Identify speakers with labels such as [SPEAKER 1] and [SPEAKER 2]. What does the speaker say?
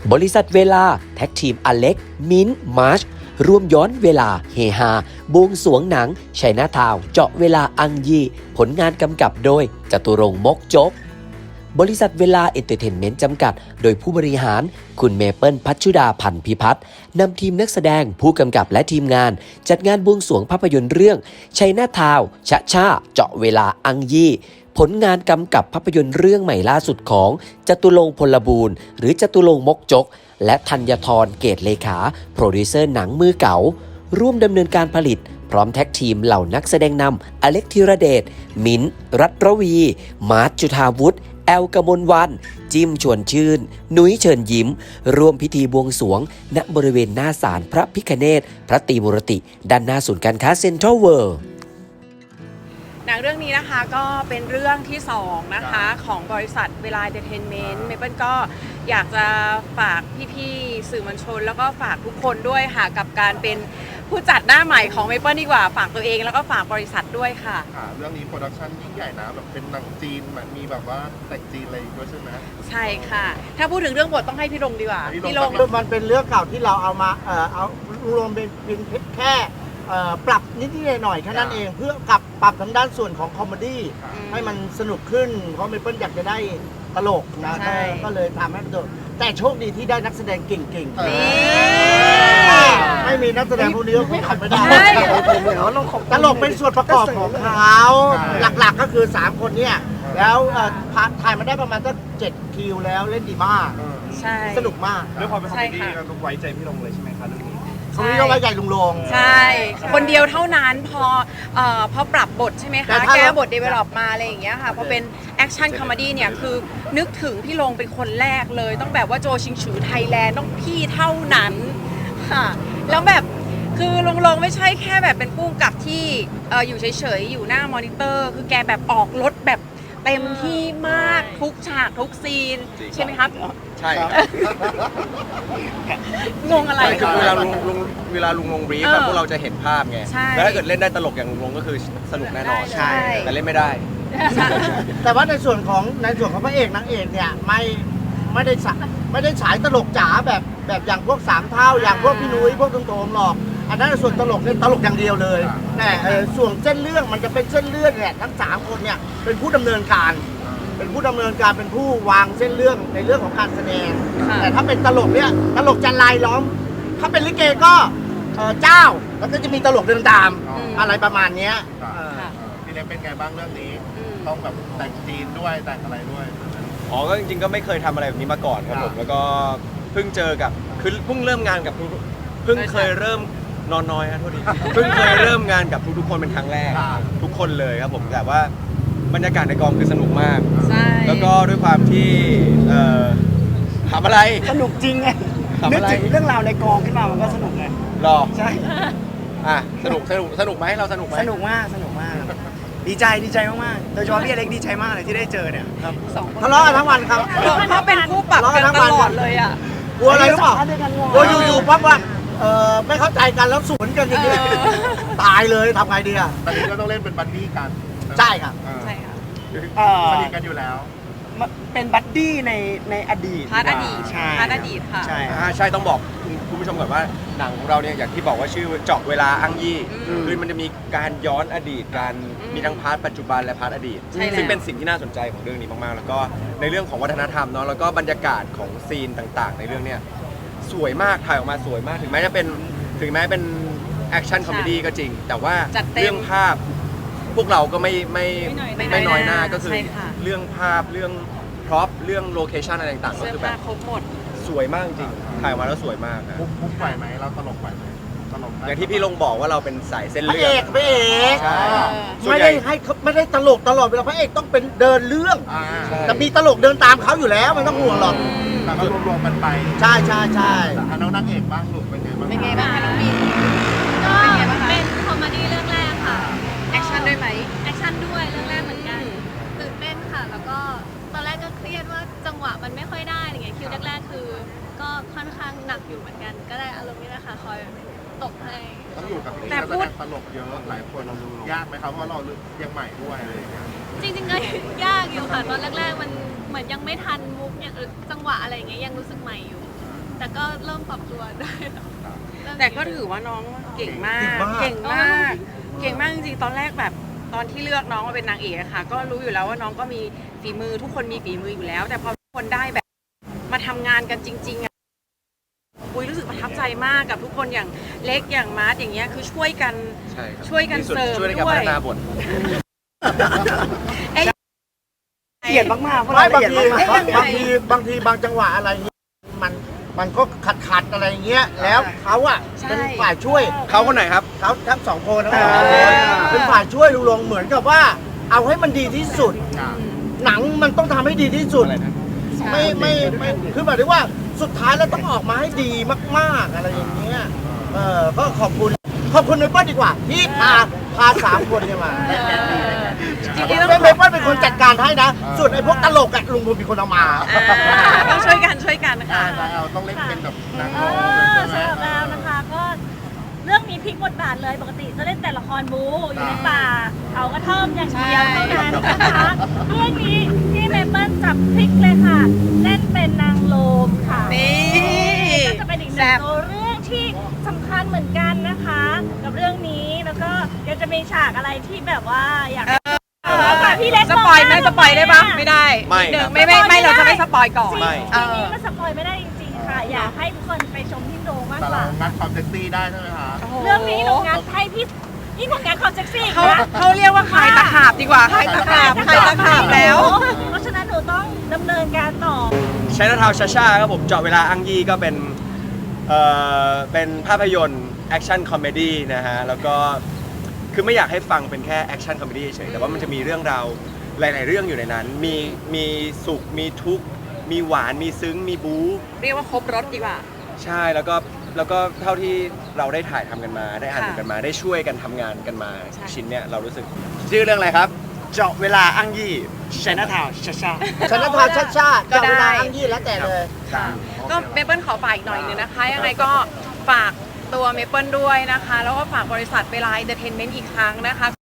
[SPEAKER 1] บริษัทเวลาแท็กทีมอเล็กมิ้นมาร์ชร่วมย้อนเวลาเฮฮาบวงสรวงหนังชัยนาทาวน์เจาะเวลาอังยีผลงานกำกับโดยจตุรงค์มกจกบริษัทเวลาเอนเตอร์เทนเมนต์จำกัดโดยผู้บริหารคุณเมเปิลพัชชุดาพันธ์พิพัฒน์นำทีมนักแสดงผู้กำกับและทีมงานจัดงานบวงสรวงภาพยนตร์เรื่องชัยนาทาวน์ชะช่าเจาะเวลาอังยีผลงานกำกับภาพยนตร์เรื่องใหม่ล่าสุดของจตุรงค์พลบูรณ์หรือจตุรงค์มกจกและธัญธรเกตเลขาโปรดิวเซอร์หนังมือเก๋าร่วมดำเนินการผลิตพร้อมแท็กทีมเหล่านักแสดงนำอเล็กธีรเดชมิ้นท์รัตรวีมาร์ทจุฑาวุฒิแอลกมลวันจิมชวนชื่นนุ้ยเชิญยิ้มร่วมพิธีบวงสรวงณบริเวณหน้าศาลพระพิฆเนศพระตรีมุรติด้านหน้าศูนย์การค้าเซ็นทรัลเวิลด์
[SPEAKER 2] หนังเรื่องนี้นะคะก็เป็นเรื่องที่2นะคะของบริษัทเวลาเอนเตอร์เทนเมนต์เมเปิลก็อยากจะฝากพี่ๆสื่อมวลชนแล้วก็ฝากทุกคนด้วยค่ะกับการเป็นผู้จัดหน้าใหม่ของเมเปิลดีกว่าฝากตัวเองแล้วก็ฝากบริษัทด้วยค่ะ
[SPEAKER 3] เรื่องนี้โปรดักชั่นยิ่งใหญ่นะแบบเป็นหนังจีนมีแบบว่าแต่งจีนอะไรด้วยใช่ไหม
[SPEAKER 2] ใช่ค่ะถ้าพูดถึงเรื่องบทต้องให้พี่ลงดีกว่าพี่ลง
[SPEAKER 4] มันเป็นเรื่องเก่าที่เราเอามาเอารวมเป็นแค่ปรับนิดหน่อยแค่นั้นเองเพื่อปรับทางด้านส่วนของคอมเมดี้ให้มันสนุกขึ้นเพราะเมเปิลอยากจะได้ตลกนะก็เลยทำให้มันตลกแต่โชคดีที่ได้นักแสดงเก่งๆไม่มีนักแสดงพวกนี้ก็คงทำไม่ได้ตลกเป็นส่วนประกอบของเขาหลักๆก็คือ3คนเนี่ยแล้วถ่ายมาได้ประมาณสัก7 คิวแล้วเล่นดีมากสนุกมาก
[SPEAKER 3] ด้วยความเป็นคอมเมดี้เราต้องไว้ใจพี่ลงเลยใช่ไหมคะเรื่องนี้
[SPEAKER 4] คนนี้ต้องไว้ใจลุงลง
[SPEAKER 2] ใช่คนเดียวเท่านั้นพอปรับบทใช่ไหมคะแก้บทเดเวลลอปมาอะไรอย่างเงี้ยค่ะพอเป็นแอคชั่นคอมเมดี้เนี่ยคือนึกถึงพี่ลงเป็นคนแรกเลยต้องแบบว่าโจชิงฉือไทยแลนด์ต้องพี่เท่านั้นค่ะแล้วแบบคือลงไม่ใช่แค่แบบเป็นผู้กำกับที่อยู่เฉยๆอยู่หน้ามอนิเตอร์คือแกแบบออกรถแบบเต็มที่มากทุกฉากทุกซีนใช่ไหมครับ
[SPEAKER 3] ใช่
[SPEAKER 2] งงอะไร
[SPEAKER 3] คือเวลาลุงลงบรีฟพวกเราจะเห็นภาพไงแล้วถ้าเกิดเล่นได้ตลกอย่างลุงก็คือสนุกแน่นอน
[SPEAKER 2] ใช่
[SPEAKER 3] แต่เล่นไม่ได้
[SPEAKER 4] แต่ว่าในส่วนของพระเอกนางเอกเนี่ยไม่ได้ฉายตลกจ๋าแบบอย่างพวก3 เท่าอย่างพวกพี่นุ้ยพวกตรงๆหรอกอันนั้นส่วนตลกเนี่ยตลกอย่างเดียวเลยแต่ส่วนเส้นเรื่องมันจะเป็นเส้นเรื่องเนี่ยทั้ง3 คนเนี่ยเป็นผู้ดำเนินการเป็นผู้วางเส้นเรื่องในเรื่องของการแสดงแต่ถ้าเป็นตลกเนี่ยตลกจะลายล้อมถ้าเป็นลิเกก็เจ้าแล้วก็จะมีตลกเดินตามอะไรประมาณนี้
[SPEAKER 3] พี่เล็กเป็นไงบ้างเรื่องนี้ต้องแบบแต่งจีนด้วยแต่งอะไรด้วย
[SPEAKER 5] ก็จริงๆก็ไม่เคยทำอะไรแบบนี้มาก่อนครับผมแล้วก็เพิ่งเจอกับคือเพิ่งเริ่มงานกับเพิ่งเคยเริ่มนอนน้อยครับโทษทีเพิ่งเคยเริ่มงานกับทุกคนเป็นครั้งแรกทุกคนเลยครับผมแต่ว่าบรรยากาศในกองคือสนุกมากแล้วก็ด้วยความที่ทำอะไร
[SPEAKER 4] สนุกจริงไงนึกถึงเรื่องราวในกองขึ้นมามันก็สนุกไง
[SPEAKER 5] รอ
[SPEAKER 4] ใช่
[SPEAKER 5] สนุกไหมเราสนุกไหม
[SPEAKER 4] สนุกมากดีใจมากๆโดยเฉพาะพี่อเล็กดีใจมากเลยที่ได้เจอเนี่ยครับทะเลาะกันทั้งวันครับ
[SPEAKER 2] เพราะเป็นคู่ปรับกันตลอดเลยอ่ะ
[SPEAKER 4] กลัวอะไรหรือเปล่ากลัวอยู่ๆปั๊บว่าไม่เข้าใจกันแล้วสวนกันอย่างนี้ตายเลยทำไงดีอ่ะ
[SPEAKER 3] ตอนนี้ก็ต้องเล่นเป็นบัดดี้กัน
[SPEAKER 4] ใช่ครับ
[SPEAKER 3] สนิทกันอยู่แล้ว
[SPEAKER 4] เป็นบัดดี้ในอดีต
[SPEAKER 2] พาร์ทอดีตค่ะ
[SPEAKER 5] ใช่ต้องบอกคุณผู้ชมก่อนว่าหนังของเราเนี่ยอย่างที่บอกว่าชื่อเจาะเวลาอังยี่คือมันจะมีการย้อนอดีตการมีทั้งพาร์ทปัจจุบันและพาร์ทอดีตซึ่งเป็นสิ่งที่น่าสนใจของเรื่องนี้มากๆแล้วก็ในเรื่องของวัฒนธรรมเนาะแล้วก็บรรยากาศของซีนต่างๆในเรื่องเนี้ยสวยมากถ่ายออกมาสวยมากถึงแม้เป็นแอคชั่นคอมเมดี้ก็จริงแต่ว่าเรื่องภาพพวกเราก็ไม่น้อยหน้าก็คือเรื่องภาพเรื่องพร็อพเรื่องโลเคชั่นอะไรต่างๆก็คือแบบ
[SPEAKER 2] ครบหมด
[SPEAKER 5] สวยมากจริงถ่ายมาแล้วสวยมาก
[SPEAKER 3] มุกไหวไหมเราตลกไหวไหม
[SPEAKER 5] อย่างที่พี่ลงบอกว่าเราเป็นสายเส้น
[SPEAKER 4] เรื่
[SPEAKER 5] อง
[SPEAKER 4] พระเอกไม่ได้ตลกตลอดเวลาพระเอกต้องเป็นเดินเรื่องแต่มีตลกเดินตามเขาอยู่แล้วมันต้องห่วงหรอก
[SPEAKER 3] แต่ก็รวมมันไป
[SPEAKER 4] ใช่
[SPEAKER 3] น้องนางเอกบ้างลูกเป็นไงบ้าง
[SPEAKER 2] คะน้องบี
[SPEAKER 6] ก็เป็นคอมเมดี้เรื่องแรกค่ะ
[SPEAKER 2] แอคชั่นด้วยไหม
[SPEAKER 6] แอคชั่นด้วยเรื่องแรกเหมือนกันตื่นเต้นค่ะแล้วก็ตอนแรกก็เครียดว่าจังหวะมันไม่ค่อยได้อะไรเงี้ยคิวแรกๆคือก็ค่อนข้างหนักอยู่เหมือนกันก็ได้อารมณ์นี้แหละค่ะคอยตกให้
[SPEAKER 3] ต้องอยู่กับที่นักแสดงตลกเยอะหลายคนยากไหมครับเพราะเรายังใหม่ด้วยอะไรอย่างเงี้ย
[SPEAKER 6] จริงๆก็ยากอยู่ค่ะตอนแรกๆมันเหมือนยังไม่ทันมุกอย่างจังหวะอะไรเงี้ยยังรู้สึกใหม่อยู่แต่ก็เริ่มปรับตัวได้เริ่ม
[SPEAKER 2] แต่ก็ถือว่าน้องเก่งมาก เก่งมาก เก่งมากจริงๆ ตอนแรกแบบตอนที่เลือกน้องมาเป็นนางเอกอะค่ะ ก็รู้อยู่แล้วว่าน้องก็มีฝีมือทุกคนมีฝีมืออยู่แล้ว แต่พอทุกคนได้แบบมาทำงานกันจริงๆอะปุ้ยรู้สึกประทับใจมากกับทุกคนอย่างเล็กอย่างมาร์ทอย่างเงี้ยคือช่วยกัน
[SPEAKER 3] ใช่ครับ
[SPEAKER 2] ช่วยกัน
[SPEAKER 3] ที่สุด
[SPEAKER 2] เสริม
[SPEAKER 3] ช่วยในการ
[SPEAKER 2] ด้วย
[SPEAKER 3] พัฒนาบท
[SPEAKER 4] ละเอียดมากๆเพราะบางทีบางทีบางจังหวะอะไรเงี้ยมันก็ขัดอะไรเงี้ยแล้วเขาอ่ะเป็นฝ่ายช่วย
[SPEAKER 3] เขาคนไหนครับ
[SPEAKER 4] เขาทั้งสองคนเป็นฝ่ายช่วยลุงลงเหมือนกับว่า เอาให้มันดีที่สุด หนังมันต้องทำให้ดีที่สุด
[SPEAKER 3] อะไรนะ
[SPEAKER 4] ไม่คือหมายถึงว่าสุดท้ายแล้วต้องออกมาให้ดีมากๆอะไรอย่างเงี้ยก็ขอบคุณเมเปิ้ลดีกว่าที่พาสามคนเนี่ยมา
[SPEAKER 2] จริงๆ
[SPEAKER 4] เมเปิ้ลเป็นคนจัดการให้นะส่วนไอ้พวกตลกอะลุงพลเป็นคนเอามา
[SPEAKER 2] ต้องช่วยกันค่ะ
[SPEAKER 5] เราต้องเล่นเป็นแบบนาง
[SPEAKER 7] สำหรับเรานะคะก็เรื่องนี้พลิกบทบาทเลยปกติจะเล่นแต่ละครบูอยู่ในป่าเอากระท่อมอย่างเดียวเท่านั้นนะคะเรื่องนี้พี่เมเปิ้ลจับพลิกเลยค่ะเล่นเป็นนางโลมค่ะ
[SPEAKER 2] นี่
[SPEAKER 7] ก็จะเป็นอีกหนึ่งตัวเรื่องที่สำคัญเหมือนกันนะคะ กับเรื่องนี้แล้วก็ยังจะมีฉากอะไรที่แบบว่าอยากฝากพี่เล็ก
[SPEAKER 2] สปอยไหมสปอยได้ปะไม่ได้
[SPEAKER 3] ไม่
[SPEAKER 2] นิดนึ
[SPEAKER 3] ครั
[SPEAKER 2] ง
[SPEAKER 3] บ
[SPEAKER 2] ไม่เราจะไม่สปอยก่อน
[SPEAKER 3] ไม่
[SPEAKER 7] ทีนี้มันสปอยไม่ได้จริงๆค่ะ อยากให้ทุกคนไปชมที่โรงมากกว่า
[SPEAKER 5] งัดความเซ็กซี่ได้ใช่ไหมคะ
[SPEAKER 7] เรื่องนี้หนูงัดให้พี่นี่หนูงัดความเซ็กซี่
[SPEAKER 2] เขาเรียกว่าขายตะขาบดีกว่าขายตะขาบแล้ว
[SPEAKER 7] เพราะฉะนั้นหนูต้องดำเนินการต่อ
[SPEAKER 3] ใช้นาทาวชาชาครับผมเจาะเวลาอังยี่ก็เป็นภาพยนตร์แอคชั่นคอมเมดี้นะฮะแล้วก็คือไม่อยากให้ฟังเป็นแค่แอคชั่นคอมเมดี้เฉยแต่ว่ามันจะมีเรื่องราวหลายๆเรื่องอยู่ในนั้น มีสุขมีทุกข์มีหวานมีซึ้งมีบู๊
[SPEAKER 2] เรียกว่าครบรถดีกว่า
[SPEAKER 3] ใช่แล้วก็เท่าที่เราได้ถ่ายทำกันมาได้อ่านกันมาได้ช่วยกันทำงานกันมา
[SPEAKER 2] ใช่
[SPEAKER 3] ชิ้นเนี้ยเรารู้สึกชื่อเรื่องอะไรครับ
[SPEAKER 5] เจาะเวลาอังยี่ชนะทาวชาชา
[SPEAKER 4] ชนะทานชาก็เวลาอังยี่แล้วแต่เลย
[SPEAKER 2] ก็เมเปิลขอฝากอีกหน่อยนึงนะคะ ยังไงก็ฝากตัวเมเปิลด้วยนะคะ แล้วก็ฝากบริษัทเวลาเอนเตอร์เทนเมนต์อีกครั้งนะคะ